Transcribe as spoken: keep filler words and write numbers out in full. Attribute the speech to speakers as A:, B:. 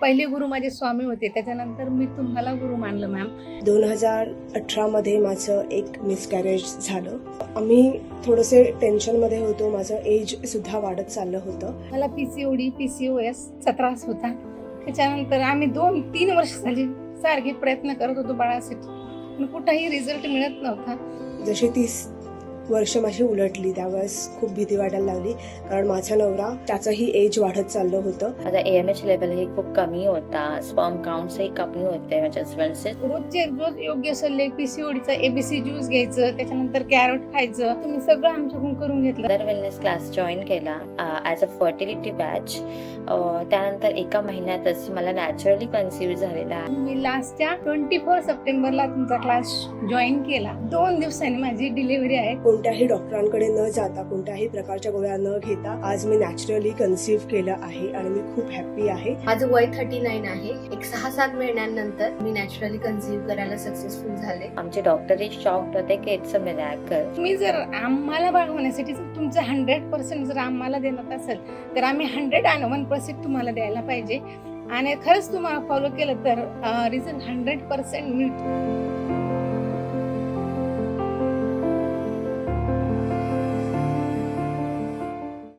A: पहिले गुरु माझे स्वामी होते, त्याच्यानंतर मी तुम्हाला गुरु मानलं मॅम.
B: दोन हजार अठरामध्ये माझं एक मिसकॅरेज झालं. आम्ही थोडंसे टेन्शनमध्ये होतो. माझं एज सुद्धा वाढत चाललं होतं.
A: मला पीसीओडी पीसीओएसचा त्रास होता. त्याच्यानंतर आम्ही दोन तीन वर्ष झाली सारखे प्रयत्न करत होतो बाळासाठी, पण कुठंही रिझल्ट मिळत नव्हता.
B: जशी तीस वर्ष माझी उलटली त्यावेळेस खूप भीती वाटायला लागली, कारण माझा नवरा त्याचंही एज वाढत चाललं होतं.
C: माझा ए एम एच लेवलही खूप कमी होता, स्पर्म काउंट्सही कमी होते माझ्या हस्बंडचे.
A: रोजचे रोज योग्य सल्ले, पीसीओडीचा एबीसी ज्यूस घ्यायचं, त्याच्यानंतर कॅरट खायचं, तुम्ही सगळं आमच्याकडून करून घेतलं.
C: मदर वेलनेस क्लास जॉईन केला ॲज अ फर्टिलिटी बॅच. त्यानंतर एका महिन्यातच मला नॅचरली कन्सिव्ह झालेला आहे.
A: मी लास्टच्या ट्वेंटी फोर सप्टेंबरला तुमचा क्लास जॉईन केला. दोन दिवसांनी माझी डिलिव्हरी आहे.
B: कोणत्याही डॉक्टरांकडे न जाता, कोणत्याही प्रकारच्या गोळ्या न घेता आज मी नॅचरली कन्सिव्ह केलं आहे आणि मी खूप हॅप्पी आहे.
D: माझं वय थर्टी नाईन आहे. एक सहा सात महिन्यांनंतर मी नॅचरली कन्सिव्ह करायला सक्सेसफुल झाले.
C: आमचे डॉक्टरही शॉक्ड होते की इट्स अ मिरॅकल.
A: तुम्ही जर आम्हाला बाळ होण्यासाठी तुमचं हंड्रेड पर्सेंट जर आम्हाला देण्यात असेल, तर आम्ही हंड्रेड अँड वन पर्सेंट तुम्हाला द्यायला पाहिजे. आणि खरंच तुम्हाला फॉलो केलं तर रिझल्ट हंड्रेड पर्सेंट मिळतो.